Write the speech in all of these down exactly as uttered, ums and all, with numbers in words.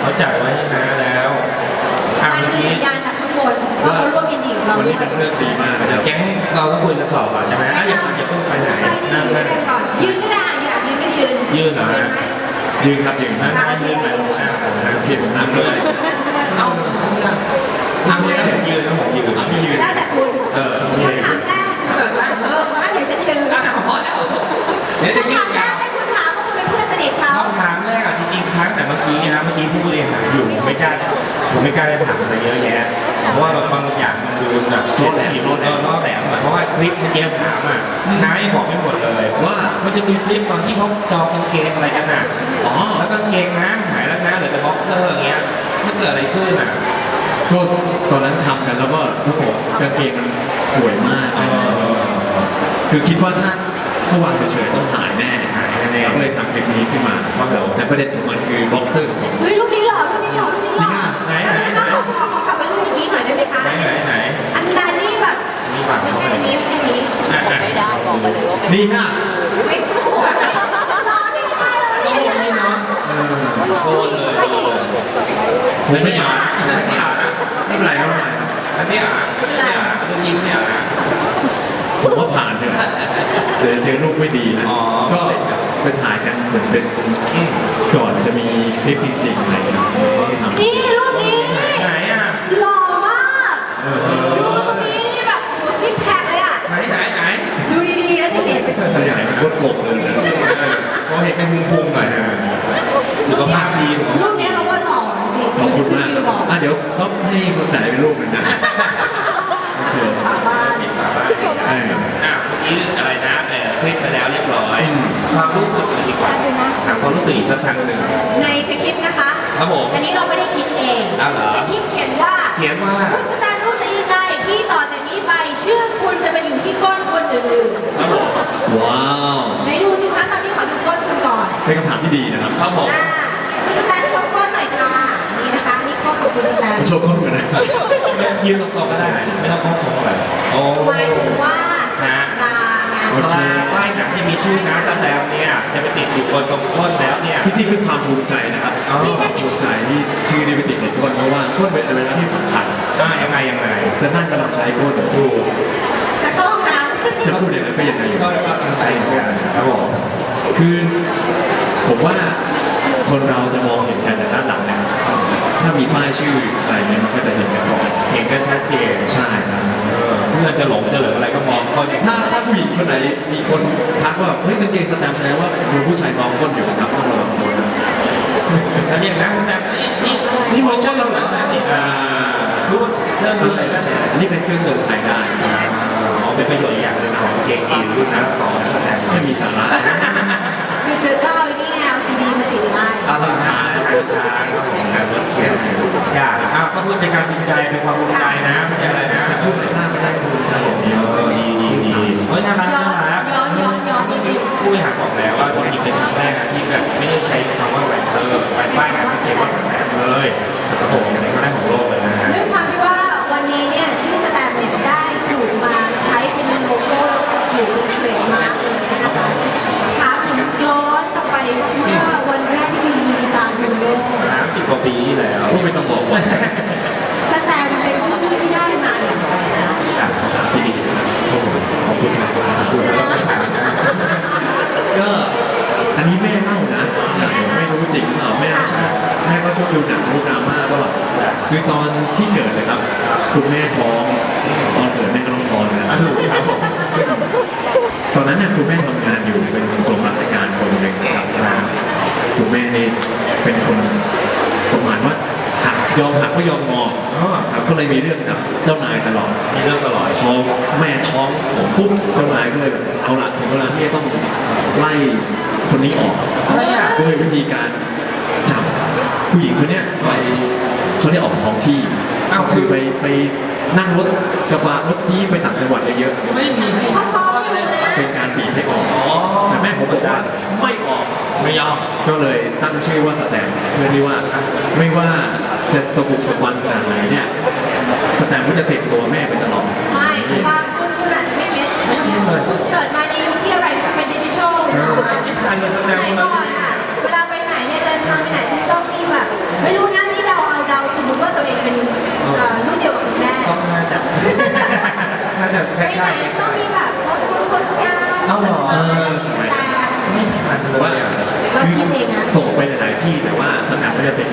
เขาจัดไว้นะแล้วอ่ะมันเมื่อคือกี้สัญญาณจากข้างบนว่าเขาร่วมยินดีกับเราวันด้วนี้ยเป็นเรื่องดีมากนะคเดี๋ยรัวบแก๊งเราต้องคุยกันต่อก่อนใช่ไหมอ่ะอย่าอย่าเพิ่งไปไหนไปดีนั่งยืนั่นงกันก่อนยืนก็ได้อยากยืนก็ยืนยืนเหรอฮะไหมยืนครับยืนนั่งนั่งยืนไปผมอ่ะผมนั่งผิดผมนั่งด้วยเอ้านั่งเลยผมยืนแล้วผมยืนอ่ะพี่ยืนได้แต่คุณเออพี่ยืนคำถามแรกคือแบบว่าเอองั้นเดี๋ยวฉันยืนอ่ะพอแล้วเดี๋ยวจะยืคำนถามแรยาก วให้คุณถามว่าคุณเป็นเพื่อนสนิทเขาคำถามแรกอ่ะจริงๆครั้งแต่เมื่อกี้นะเมื่อกี้ผู้บริหารอยู่ผมไม่กล้าผมไม่กล้าจะถามอะไรเยอะแยะเพราะว่าบางอย่างมันดูแบบเฉียดฉีดเออล้อแหลมหน่อยเพราะว่าคลิปเมื่อกี้ถามอ่ะน้ายังบอกไม่หมดเลยว่ามันจะมีคลิปตอนที่เขาจองกางเกงอะไรกันอ่ะอ๋อแล้วกางเกงน้าหายแล้วนะเหลือแต่บ็อกเซอร์อย่างเงี้ยมันเกิดอะไรขึ้นอ่ะก็ตอนนั้นทำกันแล้วก็รู้สึกกางเกงมันสวยมากเออคือคิดว่าถ้าถ้าวางเฉยๆต้องหายแน่หายแน่เราก็เลยทำคลิปนี้ขึ้นมาครับผมแต่ประเด็นของมันคือบ็อกเซอร์ของผมเฮ้ยรูปนี้เหรอรูปนี้เหรอรูปนี้เหรอจริงอ่ะไหนไหนไหนขอขอขอกลับไปรูปเมื่อกี้หน่อยได้ไหมคะไหนไหนไหนอันนั้นนี่แบบมีบัตรไม่เข้าใช่ไปอันนี้ไม่ใช่อันนี้อ่ะอ่ะไม่ได้บอกไปเลยว่าไม่นี่ฮะไม่พูดรอนี่ใช่แล้วต้องนี่ลงนี่เนาะเออโคตรเลยไม่ไม่ไม่อ่าอ่าน นไม่อ่านนะไม่เป็นไรไม่เป็นไรครับอันนี้อ่านไม่อ่านเรื่องยิ้มเนี่ยอ่านผมว่าผ่านเถอะเดี๋ยวเจอรูปไม่ดีนะอ๋อก็ไปถ่ายกันเหมือนเป็นก่อนจะมีคลิปจริงๆอะไรอย่างเงี้ยเขาทำนี่รูปนี้ไหนอ่ะหล่อมากเออดูรูปนี้นี่แบบโหซิกแพคเลยอ่ะไหนไหนไหนดูดีๆแล้วจะเห็นตัวใหญ่มันโคตรกบเลยนะพอเห็นเป็นพุงๆหน่อยนะสุขภาพดีสุขรูภาพปดีนี้เราว่าหล่อจริงขอบคุณมากคืคอรับหล่ออ่ะเดี๋ยวต้องให้คนไหนเป็นรูปหนึ่งนะโอเคฝาบ้านปิดฝาบ้านอ่ะเมื่อกี้อะไรนะเออคลิปไปแล้วเรียบร้อย ความรู้สึกเลยดีกว่าถามความรู้สึกอีกสักครั้งหนึ่งในสคริปต์นะคะครับผมอันนี้เราไม่ได้คิดเองอ้าวเหรอสคริปต์เขียนว่าเขียนว่าคุณสแตนรู้สึกยังไงที่ต่อจากนี้ไปชื่อคุณจะไปอยู่ที่ก้นคนอื่นครับผมว้าวๆไหนดูสิคะตอนนี้ขอดูก้นคุณก่อนเป็นคำถามที่ดีนะครับครับผมอ่าคุณสแตนโชว์ก้นหน่อยค่ะนี่นะคะนี่ก้นของคุณสแตนผมโชว์ข้อมือนะยืนตรงๆก็ได้ ไม่ต้องโค้งๆแบบโอ้หมายถึงว่าฮะตราไงโอเคป้ายหนังที่มีชื่อน้าแสดงเนี่ยจะไปติดอยู่บนตรงก้นแล้วเนี่ยที่จริงเป็นความภูมิใจนะครับอ๋อความภูมิใจที่ชื่อนี้ไปติดในก้นเพราะว่าก้นเป็นอะไรที่สำคัญอ่ายังไงยังไงจะนั่งกำลังใช้ก้นดูจะเข้าห้องน้ำจะพูดอย่างนั้นก็ยังไงอยู่ก็ก็ตั้งใจเหมือนกันครับผมคือผมว่าคนเราจะมองเห็นกันแต่ด้านหลังนะครับถ้ามีป้ายชื่ออะไรเงี้ยมันก็จะเห็นกันก่อนเห็นกันชัดเจนใช่ครับเออเพื่อนจะหลงจะเหลืออะไรก็มองเขาอย่างถ้าถ้าผู้หญิงคนไหนมีคนทักว่าเฮ้ยกางเกงสแตมป์แสดงว่ามีผู้ชายมองก้นอยู่นะครับต้องระวังตัวนะแล้วอย่างนั้นแสดงนี่นี่นี่มองก้นเราเหรอนี่อ่ารู้เริ่มรู้อะไรชัดเจนอันนี้เป็นเครื่องเตือนภัยได้อ๋อเป็นประโยชน์อีกอย่างหนึ่งของเกงยีนรู้นะของนักแสดงไม่มีสาระดึกๆก็เอาไอ้นี่ไงเอาซีดีมาติดไว้อารมณ์ช้าอารมณ์ช้าครับผมการรถเชียร์จ้าอ้าวก็พูดเป็นการภูมิใจเป็นความภูมิใจนะไม่ใช่อะไรนะแต่พูดในภาพไม่ได้ภูมิใจอย่างเดียวเออดีดีดีเฮ้ยน่ารักน่ารักผู้บริหารบอกแล้วว่าจริงๆเป็นครั้งแรกนะที่แบบไม่ได้ใช้คำว่าแรนเตอร์ไปป้ายงานพิเศษว่าสแตมเลยครับผมในครั้งแรกของโลกเลยนะฮะด้วยความที่ว่าวันนี้เนี่ยชื่อสแตมป์เนี่ยได้ถูกมาใช้เป็นโลโก้แล้วก็ถูกเป็นเทรดมาร์กเลยนะคะถามถึงย้อนกลับไปเมื่อวันแรกที่คุณลืมตาดูโลกสามสิบกว่าปีที่แล้วพูดไม่ต้องบอกว่าสแตมป์เป็นชื่อที่ได้มาอย่างไรคะจากคำถามที่ดีนะครับขอบคุณครับขอบคุณครับคุณสำหรับคำถามนะก็อันนี้แม่เล่านะไม่รู้จริงเปล่าแม่ชอบแม่ก็ชอบดูหนังดูดราม่าก็คือตอนที่เกิดเลยครับ คุณแม่ท้องตอนเกิดแม่ก็ต้องท้องนะอ่ะถูกครับผมตอนนั้นเนี่ยคุณแม่ทำงานอยู่เป็นกรมราชการคนหนึ่งนะครับนะคุณแม่นี่เป็นคนประมาณว่าหักยอมหักไม่ยอมงออ๋อครับก็เลยมีเรื่องกับเจ้านายตลอดมีเรื่องตลอดพอแม่ท้องผมปุ๊บเจ้านายก็เลยแบบเอาละถึงเวลาที่จะต้องไล่คนนี้ออกอะไรอ่ะด้วยวิธีการจับผู้หญิงคนเนี้ยไปเขาเรียกออกท้องที่อ้าวคือไปไปนั่งรถกระบะรถจี๊ปไปต่างจังหวัดเยอะไม่มีให้เขาท้องอยู่นะๆเป็นการบีบให้ออกอ๋อแต่แม่ผมบอกว่าไม่ออกไม่ยอมก็เลยตั้งชื่อว่าสแตมป์เพื่อที่ว่าไม่ว่าจะสบุกสะบันขนาดไหนเนี่ยสแตมป์ก็จะติดตัวแม่ไปตลอดไม่ว่าคุณคุณอาจจะไม่เก็ตไม่เก็ตเลยคุณเกิดมาในยุคที่อะไรเป็นดิจิทัลไม่ทันเลยแสสดงมัยว่าก่อนอะเวลาไปไหนเนี่ยเดินทางไปไหนคุณต้องมีแบบไม่รู้นะ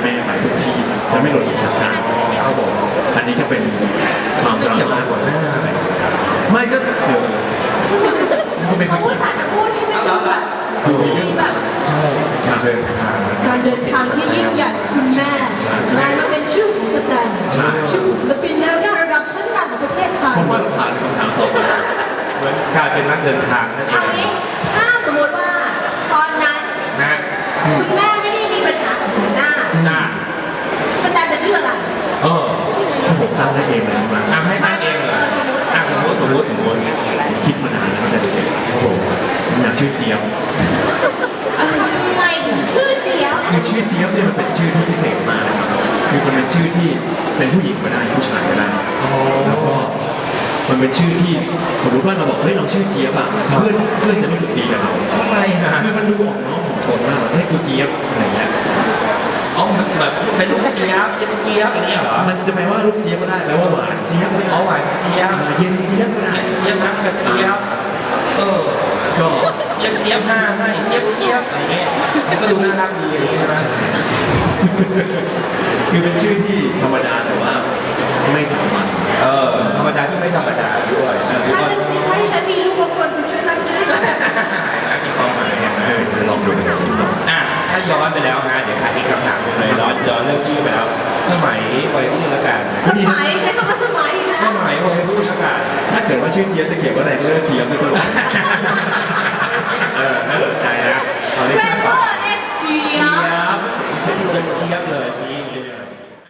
แม่ไปทุกที่จะไม่หลุดออกจากกันครับผมอันนี้ก็เป็นความไม่ดราเกี่ยวม่ากับหัวหน้าอะไรไม่ก็เออมันก็ไม่ค่เขาอยพูดสาจะพูดให้ไม่ดูแบบมีแบบใช่การเดินทางการเดินทางที่ยิ่งใหญ่คุณแม่กลายมาเป็นชื่อของสแตนชื่อของศิลปินแนวหน้าระดับชั้นนำของประเทศไทยผมว่าเราผ่านคำถามต่อไปเหมือนกลายเป็นนักเดินทางนั่นเอเอางงี้ถ้าสมมติว่าตอนนั้นนะคุณแม่ไม่ได้มีปัญหากับหัวหน้าจ้าสแตนจะชื่ออะไรเออถ้าผมตั้งได้เองเลยใช่ไหมอ่ะให้ตั้งเองเลยอ่ะสมมติสมมติสมมติคิดมานานแล้วตั้งแต่เด็กๆครับผมผมอยากชื่อเจี๊ยบทำไมถึงชื่อเจี๊ยบคือชื่อเจี๊ยบเนี่ยมันเป็นชื่อที่พิเศษมากนะครับคือมันเป็นชื่อที่เป็นผู้หญิงก็ได้ผู้ชายก็ได้แล้วก็มันเป็นชื่อที่สมมติว่าเราบอกเฮ้ยเราชื่อเจี๊ยบอะเพื่อนเพื่อนจะรู้สึกดีกับเราทำไมฮะคือมันดูออกน้องของตนมากแบบเฮ้ยกูเจี๊ยบอะไรเงี้ยอ๋อแบบเป็นลูกเจี๊ยบเจี๊ยบเจี๊ยบอย่างนี้เหรอมันจะแปลว่าลูกเจี๊ยบก็ได้แปลว่าหวานเจี๊ยบก็ได้อ๋อหวานเจี๊ยบอ่าเย็นเจี๊ยบก็ได้เจี๊ยบน้ำกระเจี๊ยบเออก็เจี๊ยบเจี๊ยบหน้าให้เจี๊ยบเจี๊ยบอะไรเงี้ยมันก็ดูน่ารักดีอย่างนี้ใช่ไหมคือเป็นชื่อที่ธรรมดาแต่ว่าไม่สามัญเออธรรมดาที่ไม่ธรรมดาด้วยใช่ไหมถ้าฉันถ้าฉันมีลูกบางคนคุณช่วยตั้งชื่อให้หน่อยมีความหมายเห็นไหมลองดูอ่ะถ้าย้อนไปแล้วนะเดี๋ยวขาดอีกคำถามหนึงเลยย้อนย้อนเรื่องชื่อไปแล้ว สมัยวัยรุ่นแล้วกันสมัยใช้คำว่าสมัยนะสมัยวัยรุ่นแล้วกันถ้าเกิดว่าชื่อเจี๊ยบจะเขียนว่าอะไรเลิกเจี๊ยบไม่ตลกเออน่าสนใจนะตอนนี้เรสร้างนปาโบ้กเอ็กซ์เจี๊ยเจี๊ยบบเจี๊ยบเจี๊ยบ